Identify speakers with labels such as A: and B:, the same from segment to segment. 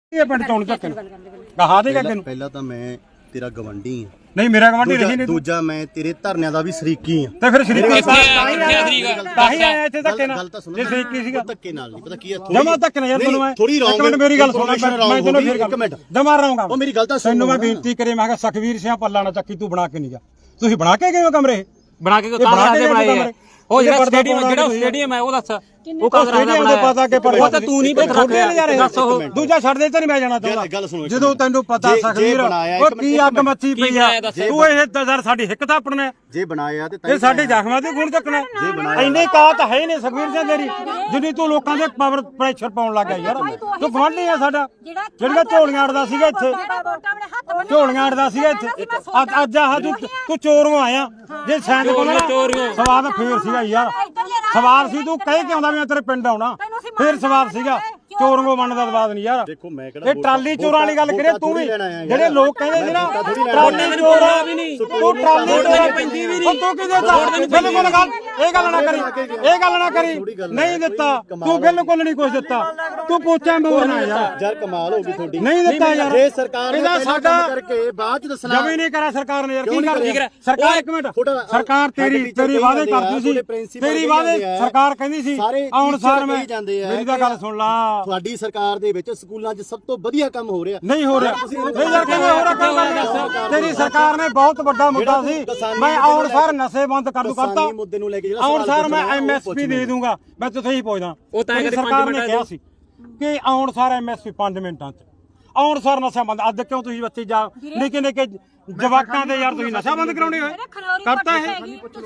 A: ਇਹ ਪਿੰਡ ਚੋਣ ਚੱਕ ਕਹਾ ਦੇਗਾ ਤੈਨੂੰ
B: ਪਹਿਲਾਂ ਤਾਂ ਮੈਂ ਤੇਰਾ ਗਵੰਡੀ ਆ
A: ਨਹੀਂ ਮੇਰਾ ਗਵਾਂਢੀ ਰਹੀ ਨਹੀਂ
B: ਦੂਜਾ ਮੈਂ ਤੇਰੇ ਧਰਨਿਆਂ ਦਾ ਵੀ ਸ਼ਰੀਕੀ ਆ
A: ਤੇ ਫਿਰ ਸ਼ਰੀਕੀ ਤਾਂ ਹੀ ਆਇਆ ਇੱਥੇ ਧੱਕੇ ਨਾਲ ਜੇ ਸ਼ਰੀਕੀ ਸੀਗਾ
B: ਧੱਕੇ ਨਾਲ ਨਹੀਂ ਪਤਾ ਕੀ ਆ
A: ਜਮਾ ਧੱਕੇ ਨਾਲ ਯਾਰ ਤੈਨੂੰ ਮੈਂ
B: ਥੋੜੀ ਰੌਂਗ
A: ਇੱਕ ਮਿੰਟ ਮੇਰੀ ਗੱਲ ਸੁਣ ਮੈਂ ਤੈਨੂੰ ਫਿਰ
B: ਇੱਕ ਮਿੰਟ
A: ਜਮਾ ਰਹਾਂਗਾ
B: ਉਹ ਮੇਰੀ ਗੱਲ ਤਾਂ ਸੁਣ
A: ਤੈਨੂੰ ਮੈਂ ਬੇਨਤੀ ਕਰੇ ਮੈਂ ਕਿਹਾ ਸਖਵੀਰ ਸਿੰਘ ਪੱਲਾ ਨਾ ਚੱਕੀ ਤੂੰ ਬਣਾ ਕੇ ਨਹੀਂ ਗਿਆ ਤੁਸੀਂ ਬਣਾ ਕੇ ਗਏ ਹੋ ਕਮਰੇ
C: ਬਣਾ ਕੇ ਕਾਂਗਰਸ ਦੇ ਬਣਾਏ ਆ ਉਹ ਜਿਹੜਾ ਸਟੇਡੀਅਮ ਹੈ ਉਹ ਦੱਸ ਉਹ ਕਾਂਗਰਸ ਦਾ
A: ਪਤਾ ਕਿ ਪਰ
C: ਉਹ ਤਾਂ ਤੂੰ ਨਹੀਂ ਪਤਾ ਦੱਸ ਉਹ
A: ਦੂਜਾ ਛੱਡ ਦੇ ਤੇ ਨਹੀਂ ਮੈਂ ਜਾਣਾ ਚਾਹੁੰਦਾ ਜਦੋਂ ਤੈਨੂੰ ਪਤਾ ਸਖਵੀਰ ਉਹ ਕੀ ਅੱਗ ਮੱਚੀ ਪਈ ਆ ਤੂੰ ਇਹ ਦਜ਼ਰ ਸਾਡੀ ਹਿੱਕ ਤਾਂ ਆਪਣੇ
B: ਜੇ ਬਣਾਇਆ ਤੇ
A: ਇਹ ਸਾਡੇ ਜ਼ਖਮਾਂ ਤੇ ਗੁਣ ਚੱਕਣਾ ਇੰਨੇ ਕਾਤ ਹੈ ਨਹੀਂ ਸਖਵੀਰ ਸਿੰਘ ਤੇਰੀ ਜਿੰਨੀ ਤੂੰ ਲੋਕਾਂ ਦੇ ਪਾਵਰ ਪ੍ਰੈਸ਼ਰ ਪਾਉਣ ਲੱਗ ਗਿਆ ਯਾਰ ਤੂੰ ਗਵਾਂਢੀ ਆ ਸਾਡਾ ਜਿਹੜਾ ਝੋਲੀਆਂ ਅੜਦਾ ਸੀਗਾ ਇੱਥੇ ਝੋਲੀਆਂ ਅੜਦਾ ਸੀਗਾ ਇੱਥੇ ਅੱਜ ਆਹ ਤੂੰ ਚੋਰੋਂ ਆਇਆ ਜੇ ਸੈਂਡ ਕੋਲ ਸਵਾਦ ਫੇਰ ਸੀਗਾ ਯਾਰ ਸਵਾਲ ਸੀ ਤੂੰ ਕਹਿ ਕੇ ਆਉਂਦਾ ਮੈਂ ਤੇਰੇ ਪਿੰਡ ਆਉਣਾ ਫੇਰ ਸਵਾਲ ਸੀਗਾ ਚੋਰੋਂ ਬਣਨ ਦਾ ਸਵਾਦ ਨਹੀਂ ਯਾਰ
B: ਦੇਖੋ ਮੈਂ ਕਿਹੜਾ
A: ਇਹ ਟਰਾਲੀ ਚੋਰਾਂ ਵਾਲੀ ਗੱਲ ਕਰੇ ਤੂੰ ਵੀ ਜਿਹੜੇ ਲੋਕ ਕਹਿੰਦੇ ਸੀ ਨਾ ਟਰਾਲੀ ਚੋਰਾ ਵੀ ਨਹੀਂ ਤੂੰ ਟਰਾਲੀ ਚੋਰਾ ਪੈਂਦੀ ਵੀ ਨਹੀਂ ਤੂੰ ਕਿਹਦੇ ਦਾ ਬਿਲਕੁਲ ਗੱਲ ਇਹ ਗੱਲ ਨਾ ਕਰੀ ਨਹੀਂ ਦਿੱਤਾ ਤੂੰ ਬਿਲਕੁਲ ਨਹੀਂ ਕੁਝ ਦਿੱਤਾ ਤੂੰ ਪੋਚਾ ਮੋਰਨਾ
B: ਯਾਰ ਕਮਾਲ ਹੋ ਗਈ ਤੁਹਾਡੀ
A: ਨਹੀਂ ਦਿੱਤਾ ਯਾਰ
B: ਜੇ ਸਰਕਾਰ ਨੇ
A: ਇਹਦਾ ਸਾਡਾ
B: ਕਰਕੇ ਬਾਅਦ ਚ ਦੱਸਣਾ
A: ਜਮੀ ਨਹੀਂ ਕਰਾ ਸਰਕਾਰ ਨੇ ਯਾਰ ਕੀ ਕਰ ਸਰਕਾਰ ਇੱਕ ਮਿੰਟ ਸਰਕਾਰ ਤੇਰੀ ਵਾਅਦੇ ਕਰਦੀ ਸੀ ਤੇਰੀ ਵਾਅਦੇ ਸਰਕਾਰ ਕਹਿੰਦੀ ਸੀ ਆਉਣ ਸਾਰ ਮੈਂ ਮੇਰੀ ਤਾਂ ਗੱਲ ਸੁਣ ਲਾ
B: ਤੁਹਾਡੀ ਸਰਕਾਰ ਦੇ ਵਿੱਚ ਸਕੂਲਾਂ 'ਚ ਸਭ ਤੋਂ ਵਧੀਆ ਕੰਮ ਹੋ ਰਿਹਾ
A: ਨਹੀਂ ਹੋ ਰਿਹਾ ਨਹੀਂ ਯਾਰ ਕਿਵੇਂ ਹੋ ਰਿਹਾ ਕੰਮ ਤੇਰੀ ਸਰਕਾਰ ਨੇ ਬਹੁਤ ਵੱਡਾ ਮੁੱਦਾ ਸੀ ਮੈਂ ਆਉਣ ਸਾਰ ਨਸ਼ੇ ਬੰਦ ਕਰ ਦੂ ਕਰਤਾ
B: ਮੁੱਦੇ ਨੂੰ ਲੈ ਕੇ
A: ਆਉਣ ਸਾਰ ਮੈਂ ਐਮਐਸਪੀ ਦੇ ਦੂੰਗਾ ਮੈਂ ਤੁਥੇ ਹੀ ਪੁੱਛਦਾ ਸਰਕਾਰ ਨੇ ਕਿਹਾ ਸੀ ਕਿ ਆਉਣ ਸਾਰ ਐਮਐਸਪੀ 5 ਮਿੰਟਾਂ 'ਚ ਆਉਣ ਸਾਰ ਨਸ਼ਾ ਬੰਦ ਅੱਜ ਕਿਉਂ ਤੁਸੀਂ ਬੱਚੇ ਜਾ ਨਿੱਕੇ ਜਵਾਕਾਂ ਦੇ ਯਾਰ ਤੁਸੀਂ ਨਸ਼ਾ ਬੰਦ ਕਰਾਉਣੇ ਹੋਏ ਕਰਤਾ ਹੈ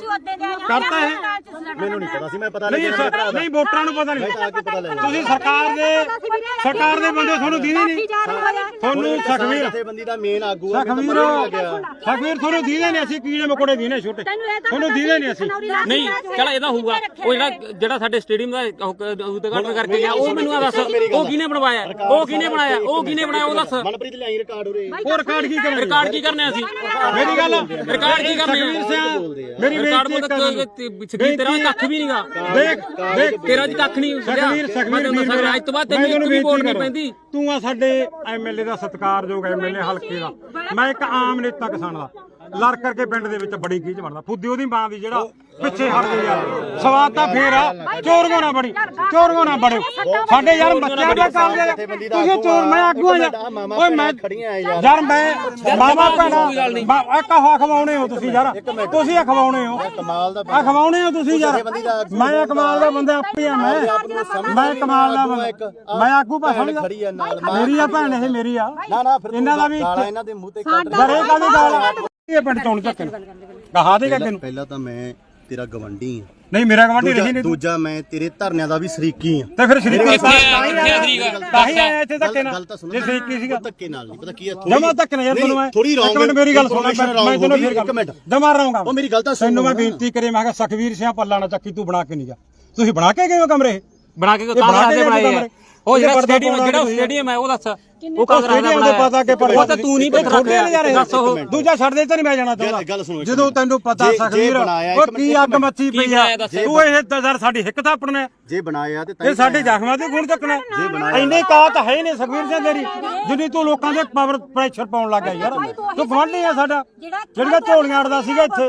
B: ਮੈਨੂੰ ਨਹੀਂ ਪਤਾ ਸੀ ਮੈਂ ਪਤਾ
A: ਨਹੀਂ ਵੋਟਰਾਂ ਨੂੰ ਪਤਾ ਨਹੀਂ ਤੁਸੀਂ ਸਰਕਾਰ ਦੇ ਬੰਦੇ ਤੁਹਾਨੂੰ ਦੀਦੇ ਨਹੀਂ ਤੁਹਾਨੂੰ ਸਖਵੀਰ
B: ਜਥੇਬੰਦੀ ਦਾ ਮੇਨ ਆਗੂ
A: ਸਖਵੀਰ ਤੁਹਾਨੂੰ ਦੀਦੇ ਨਹੀਂ ਅਸੀਂ ਕੀੜੇ ਮਕੋੜੇ ਦੀਨੇ ਛੋਟੇ ਤੁਹਾਨੂੰ ਦੀਦੇ ਨਹੀਂ ਅਸੀਂ
C: ਨਹੀਂ ਚਲ ਇਹਦਾ ਹੋਊਗਾ ਉਹ ਜਿਹੜਾ ਸਾਡੇ ਸਟੇਡੀਅਮ ਦਾ ਉਦਘਾਟਨ ਕਰਕੇ ਗਿਆ ਉਹ ਮੈਨੂੰ ਆ ਦੱਸ ਉਹ ਕਿਹਨੇ ਬਣਵਾਇਆ ਉਹ ਕਿਹਨੇ ਬਣਾਇਆ ਉਹ ਦੱਸ
B: ਮਨਪ੍ਰੀਤ ਲਿਆਈ ਰਿਕਾਰਡ ਉਰੇ
A: ਉਹ ਰਿਕਾਰਡ ਕੀ ਕਰਨਾ
C: ਅਸੀਂ
A: ਮੇਰੀ ਗੱਲ
C: ਰਿਕਾਰਡ ਕੀ ਕਰਨੇ ਆ
A: ਮੇਰੀ
C: ਰਿਕਾਰਡ ਮੋਦ ਤੇਰਾ ਕੱਖ ਵੀ ਨਹੀਂਗਾ
A: ਦੇਖ
C: ਤੇਰਾ ਜੀ ਕੱਖ ਨਹੀਂ ਸਖਵੀਰ ਅੱਜ ਤੋਂ ਬਾਅਦ ਤੈਨੂੰ ਇੱਕ ਵੀ ਵੋਟ ਨਹੀਂ ਪੈਂਦੀ
A: ਤੂੰ ਆ ਸਾਡੇ ਐਮਐਲਏ ਦਾ ਸਤਿਕਾਰਯੋਗ ਐਮਐਲਏ ਹਲਕੇ ਦਾ ਮੈਂ ਇੱਕ ਆਮ ਨੇਤਾ ਕਿਸਾਨ ਦਾ ਲੜ ਕਰਕੇ ਪਿੰਡ ਦੇ ਵਿੱਚ ਬੜੀ ਗੀਜ ਬਣਦਾ ਫੁੱਦੀ ਉਹਦੀ ਮਾਂ ਦੀ ਜਿਹੜਾ ਪਿੱਛੇ ਹਟ ਗਈ ਯਾਰ ਸਵਾਦ ਤਾਂ ਫੇਰ ਆ ਚੋਰਗੋ ਨਾ ਬੜਿਓ ਸਾਡੇ ਯਾਰ ਬੱਚਿਆਂ ਦਾ ਕਾਲ ਦੇ ਤੁਸੀਂ ਚੋਰ ਮੈਂ ਆਗੂ ਆ ਓਏ ਮੈਂ ਯਾਰ ਮੈਂ ਮਾਮਾ ਭੈਣਾ ਇੱਕ ਖਵਾਉਣੇ ਹੋ ਤੁਸੀਂ ਯਾਰ ਤੁਸੀਂ ਖਵਾਉਣੇ ਹੋ ਖਵਾਉਣੇ ਹੋ ਤੁਸੀਂ ਯਾਰ ਮੈਂ ਕਮਾਲ ਦਾ ਬੰਦਾ ਆਪੇ ਆ ਮੈਂ ਕਮਾਲ ਦਾ ਬੰਦਾ ਮੈਂ ਆਗੂ ਭਾਸ਼ਣ ਮੇਰੀ ਆ ਭੈਣ ਇਹ ਮੇਰੀ ਆ ਇਹਨਾਂ ਦਾ ਵੀ
B: ਇਹਨਾਂ ਦੇ ਮੂੰਹ ਤੇ
A: ਬੜੇ ਕਾਹਦੀ ਗੱਲ ਇਹ ਪਿੰਡ ਚੋਣ ਚੱਕ ਕਹਾ ਦੇਗਾ ਤੈਨੂੰ
B: ਪਹਿਲਾਂ ਤਾਂ ਮੈਂ ਤੇਰਾ ਗਵੰਡੀ ਆ
A: ਨਹੀਂ ਮੇਰਾ ਗਵਾਂਢੀ ਰਹੀ ਨਹੀਂ
B: ਦੂਜਾ ਮੈਂ ਤੇਰੇ ਧਰਨਿਆਂ ਦਾ ਵੀ ਸ਼ਰੀਕੀ ਆ
A: ਤੇ ਫਿਰ ਸ਼ਰੀਕੀ ਤਾਂ ਹੀ ਆਇਆ ਇੱਥੇ ਧੱਕੇ ਨਾਲ ਜੇ ਸ਼ਰੀਕੀ ਸੀਗਾ
B: ਧੱਕੇ ਨਾਲ ਨਹੀਂ ਪਤਾ ਕੀ ਆ
A: ਜਮਾ ਧੱਕੇ ਨਾਲ ਯਾਰ ਤੈਨੂੰ ਮੈਂ
B: ਥੋੜੀ ਰੌਂਗ
A: ਮਿੰਟ ਮੇਰੀ ਗੱਲ ਸੁਣ ਮੈਂ ਤੈਨੂੰ ਫਿਰ
B: ਇੱਕ ਮਿੰਟ
A: ਜਮਾ ਰਹਾਂਗਾ
B: ਉਹ ਮੇਰੀ ਗੱਲ ਤਾਂ ਸੁਣ
A: ਤੈਨੂੰ ਮੈਂ ਬੇਨਤੀ ਕਰੇ ਮੈਂ ਕਿਹਾ ਸਖਵੀਰ ਸਿੰਘ ਪੱਲਾ ਨਾ ਚੱਕੀ ਤੂੰ ਬਣਾ ਕੇ ਨਹੀਂ ਗਿਆ ਤੁਸੀਂ ਬਣਾ ਕੇ ਗਏ ਹੋ ਕਮਰੇ
C: ਬਣਾ ਕੇ ਕਾਂਗਰਸ ਦੇ ਬਣਾਏ ਆ ਉਹ ਜਿਹੜਾ ਸਟੇਡੀਅਮ ਹੈ ਉਹ ਦੱਸ ਉਹ ਕਾਂਗਰਸ ਦਾ ਬਣਾਇਆ
A: ਪਤਾ ਕਿ ਪਰ
C: ਉਹ ਤਾਂ ਤੂੰ ਨਹੀਂ ਪਤਾ ਦੱਸ ਉਹ
A: ਦੂਜਾ ਛੱਡ ਦੇ ਤੇ ਨਹੀਂ ਮੈਂ ਜਾਣਾ ਚਾਹੁੰਦਾ ਜਦੋਂ ਤੈਨੂੰ ਪਤਾ ਸਖਵੀਰ ਉਹ ਕੀ ਅੱਗ ਮੱਚੀ ਪਈ ਆ ਤੂੰ ਇਹ ਦਜ਼ਰ ਸਾਡੀ ਹਿੱਕ ਤਾਂ ਆਪਣੇ
B: ਜੇ ਬਣਾਇਆ ਤੇ
A: ਇਹ ਸਾਡੇ ਜ਼ਖਮਾਂ ਤੇ ਗੁਣ ਚੱਕਣਾ ਇੰਨੇ ਕਾਤ ਹੈ ਨਹੀਂ ਸਖਵੀਰ ਸਿੰਘ ਤੇਰੀ ਜਿੰਨੀ ਤੂੰ ਲੋਕਾਂ ਦੇ ਪਾਵਰ ਪ੍ਰੈਸ਼ਰ ਪਾਉਣ ਲੱਗ ਗਿਆ ਯਾਰ ਤੂੰ ਗਵਾਂਢੀ ਆ ਸਾਡਾ ਜਿਹੜਾ ਝੋਲੀਆਂ ਅੜਦਾ ਸੀਗਾ ਇੱਥੇ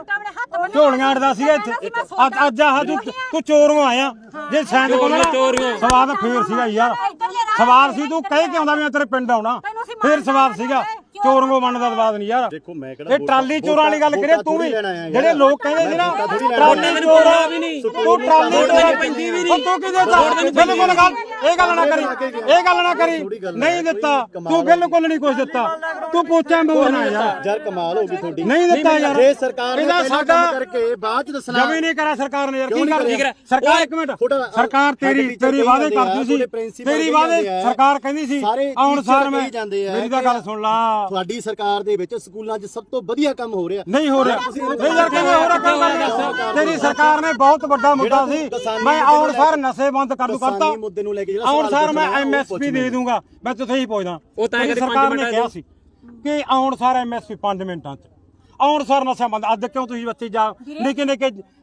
A: ਅੱਜ ਆਹ ਤੂੰ ਚੋਰੋਂ ਆਇਆ ਜੇ ਸੈਂਡ ਕੋਲ ਸਵਾਦ ਫੇਰ ਸੀਗਾ ਯਾਰ ਸਵਾਲ ਸੀ ਤੂੰ ਕਹਿ ਕੇ ਆਉਂਦਾ ਮੈਂ ਤੇਰੇ ਪਿੰਡ ਆਉਣਾ ਫੇਰ ਸਵਾਲ ਸੀਗਾ ਚੋਰੋਂ ਬਣਨ ਦਾ ਸਵਾਦ ਨਹੀਂ ਯਾਰ
B: ਦੇਖੋ ਮੈਂ ਕਿਹੜਾ
A: ਇਹ ਟਰਾਲੀ ਚੋਰਾਂ ਵਾਲੀ ਗੱਲ ਕਰੇ ਤੂੰ ਵੀ ਜਿਹੜੇ ਲੋਕ ਕਹਿੰਦੇ ਸੀ ਨਾ ਟਰਾਲੀ ਚੋਰਾ ਵੀ ਨਹੀਂ ਤੂੰ ਟਰਾਲੀ ਚੋਰਾ ਪੈਂਦੀ ਵੀ ਨਹੀਂ ਤੂੰ ਕਿਹਦੇ ਦਾ ਬਿਲਕੁਲ ਗੱਲ ਇਹ ਗੱਲ ਨਾ ਕਰੀ ਨਹੀਂ ਦਿੱਤਾ ਤੂੰ ਬਿਲਕੁਲ ਨਹੀਂ ਕੁਝ ਦਿੱਤਾ ਤੂੰ ਪੋਚਾ ਮੋਰਨਾ
B: ਯਾਰ ਕਮਾਲ ਹੋ ਗਈ ਤੁਹਾਡੀ
A: ਨਹੀਂ ਦਿੱਤਾ ਯਾਰ
B: ਜੇ ਸਰਕਾਰ ਨੇ
A: ਸਾਡਾ
B: ਕਰਕੇ ਬਾਅਦ ਚ ਦੱਸਣਾ
A: ਜਮੀ ਨਹੀਂ ਕਰਾ ਸਰਕਾਰ ਨੇ ਯਾਰ ਕੀ ਕਰ ਸਰਕਾਰ ਇੱਕ ਮਿੰਟ ਸਰਕਾਰ ਤੇਰੀ ਵਾਅਦੇ ਕਰਦੀ ਸੀ ਤੇਰੀ ਵਾਅਦੇ ਸਰਕਾਰ ਕਹਿੰਦੀ ਸੀ ਆਉਣ ਸਾਰ ਮੈਂ ਮੇਰੀ ਤਾਂ ਗੱਲ ਸੁਣ ਲਾ
B: ਤੁਹਾਡੀ ਸਰਕਾਰ ਦੇ ਵਿੱਚ ਸਕੂਲਾਂ 'ਚ ਸਭ ਤੋਂ ਵਧੀਆ ਕੰਮ ਹੋ ਰਿਹਾ
A: ਨਹੀਂ ਹੋ ਰਿਹਾ ਨਹੀਂ ਯਾਰ ਕਿਵੇਂ ਹੋ ਰਿਹਾ ਕੰਮ ਤੇਰੀ ਸਰਕਾਰ ਨੇ ਬਹੁਤ ਵੱਡਾ ਮੁੱਦਾ ਸੀ ਮੈਂ ਆਉਣ ਸਾਰ ਨਸ਼ੇ ਬੰਦ ਕਰ ਦੂ ਕਰਤਾ
B: ਮੁੱਦੇ ਨੂੰ ਲੈ ਕੇ
A: ਆਉਣ ਸਾਰ ਮੈਂ ਐਮਐਸਪੀ ਦੇ ਦੂੰਗਾ ਮੈਂ ਤੁਥੇ ਹੀ ਪੁੱਛਦਾ ਸਰਕਾਰ ਨੇ ਕਿਹਾ ਸੀ ਕਿ ਆਉਣ ਸਾਰ ਐਮਐਸਪੀ 5 ਮਿੰਟਾਂ 'ਚ ਆਉਣ ਸਾਰ ਨਸ਼ਾ ਬੰਦ ਅੱਜ ਕਿਉਂ ਤੁਸੀਂ ਬੱਚੇ ਜਾ ਨਿੱਕੇ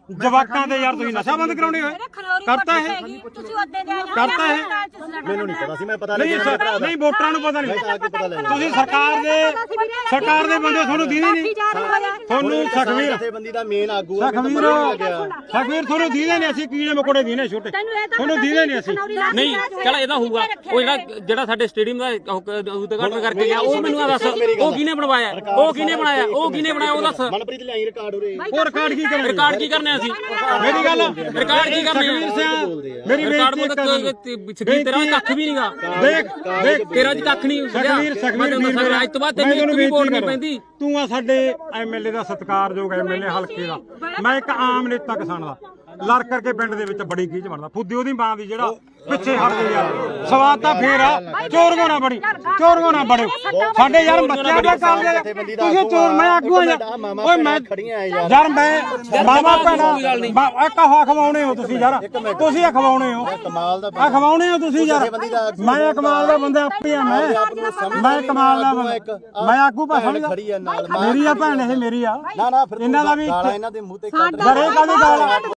A: ਜਵਾਕਾਂ ਦੇ ਯਾਰ ਤੁਸੀਂ ਨਸ਼ਾ ਬੰਦ ਕਰਾਉਣੇ ਹੋਏ ਕਰਤਾ ਇਹ ਕਰਤਾ ਇਹ
B: ਮੈਨੂੰ ਨਹੀਂ ਪਤਾ ਸੀ, ਮੈਂ ਪਤਾ
A: ਨਹੀਂ
B: ਲੱਗਿਆ
A: ਨਹੀਂ ਵੋਟਰਾਂ ਨੂੰ ਪਤਾ ਨਹੀਂ ਤੁਸੀਂ ਸਰਕਾਰ ਦੇ ਬੰਦੇ ਤੁਹਾਨੂੰ ਦੀਦੇ ਨਹੀਂ ਤੁਹਾਨੂੰ
B: ਜਥੇਬੰਦੀ ਦਾ ਮੇਨ ਆਗੂ ਆ,
A: ਸਖਵੀਰ ਤੁਹਾਨੂੰ ਦੀਦੇ ਨਹੀਂ ਅਸੀਂ ਕੀੜੇ ਮਕੋੜੇ ਦੀਨੇ ਛੋਟੇ ਤੁਹਾਨੂੰ ਦੀਦੇ ਨਹੀਂ ਅਸੀਂ
C: ਨਹੀਂ ਚਲ ਇਹਦਾ ਹੋਊਗਾ ਉਹ ਜਿਹੜਾ ਸਾਡੇ ਸਟੇਡੀਅਮ ਦਾ ਉਦਘਾਟਨ ਕਰਕੇ ਗਿਆ ਉਹ ਮੈਨੂੰ ਆ ਦੱਸ ਉਹ ਕਿਹਨੇ ਬਣਵਾਇਆ ਉਹ ਕਿਹਨੇ ਬਣਾਇਆ ਉਹ ਦੱਸ
B: ਮਨਪ੍ਰੀਤ ਲਿਆਈ ਰਿਕਾਰਡ ਉਰੇ
A: ਉਹ ਰਿਕਾਰਡ ਕੀ ਕਰਨਾ
C: ਰਿਕਾਰਡ ਕੀ ਕਰਨੇ ਅਸੀਂ
A: ਮੇਰੀ ਗੱਲ
C: ਰਿਕਾਰਡ ਕੀ ਕਰਨੇ
A: ਮੇਰੀ
C: ਰਿਕਾਰਡ
A: ਬੇਇੱਜ਼ਤੀ
C: ਤੇਰਾ ਕੱਖ ਵੀ ਨਹੀਂਗਾ
A: ਦੇਖ
C: ਤੇਰਾ ਜੀ ਕੱਖ ਨਹੀਂ
A: ਸਖਵੀਰ
C: ਅੱਜ ਤੋਂ ਬਾਅਦ ਤੈਨੂੰ ਵੀ ਵੋਟ ਨਹੀਂ ਪੈਂਦੀ
A: ਤੂੰ ਆ ਸਾਡੇ ਐਮਐਲਏ ਦਾ ਸਤਿਕਾਰਯੋਗ ਐਮਐਲਏ ਹਲਕੇ ਦਾ ਮੈਂ ਇੱਕ ਆਮ ਨੇਤਾ ਕਿਸਾਨ ਦਾ ਲੜ ਕਰਕੇ ਪਿੰਡ ਦੇ ਵਿੱਚ ਬੜੀ ਕੀਚ ਬਣਦਾ ਫੁੱਦੀ ਉਹਦੀ ਮਾਂ ਦੀ ਜਿਹੜਾ ਪਿੱਛੇ ਹਟ ਗਈ ਯਾਰ ਸਵਾਦ ਤਾਂ ਫੇਰ ਆ ਚੋਰਗੋ ਨਾ ਬੜੇ ਸਾਡੇ ਯਾਰ ਬੱਚਿਆਂ ਦਾ ਕੰਮ ਤੁਸੀਂ ਚੋਰ ਮੈਂ ਆਗੂ ਆ ਓਏ ਮੈਂ ਯਾਰ ਮੈਂ ਮਾਮਾ ਭੈਣਾ ਇੱਕ ਖਵਾਉਣੇ ਹੋ ਤੁਸੀਂ ਯਾਰ ਤੁਸੀਂ ਆ ਖਵਾਉਣੇ ਹੋ
B: ਕਮਾਲ ਦਾ
A: ਆ ਖਵਾਉਣੇ ਹੋ ਤੁਸੀਂ ਯਾਰ ਮੈਂ ਕਮਾਲ ਦਾ ਬੰਦਾ ਆਪੇ ਆ ਮੈਂ ਕਮਾਲ ਦਾ ਬੰਦਾ ਮੈਂ ਆਗੂ ਭਾਸ਼ਣ
B: ਖੜੀ ਆ ਨਾਲ
A: ਮੇਰੀ ਆ ਭੈਣ ਇਹ ਮੇਰੀ ਆ
B: ਨਾ ਫਿਰ
A: ਇਹਨਾਂ ਦਾ ਵੀ
B: ਗਾਲਾਂ ਇਹਨਾਂ ਦੇ ਮੂੰਹ ਤੇ
A: ਡਰੇ ਕਾਹਦੀ ਗਾਲ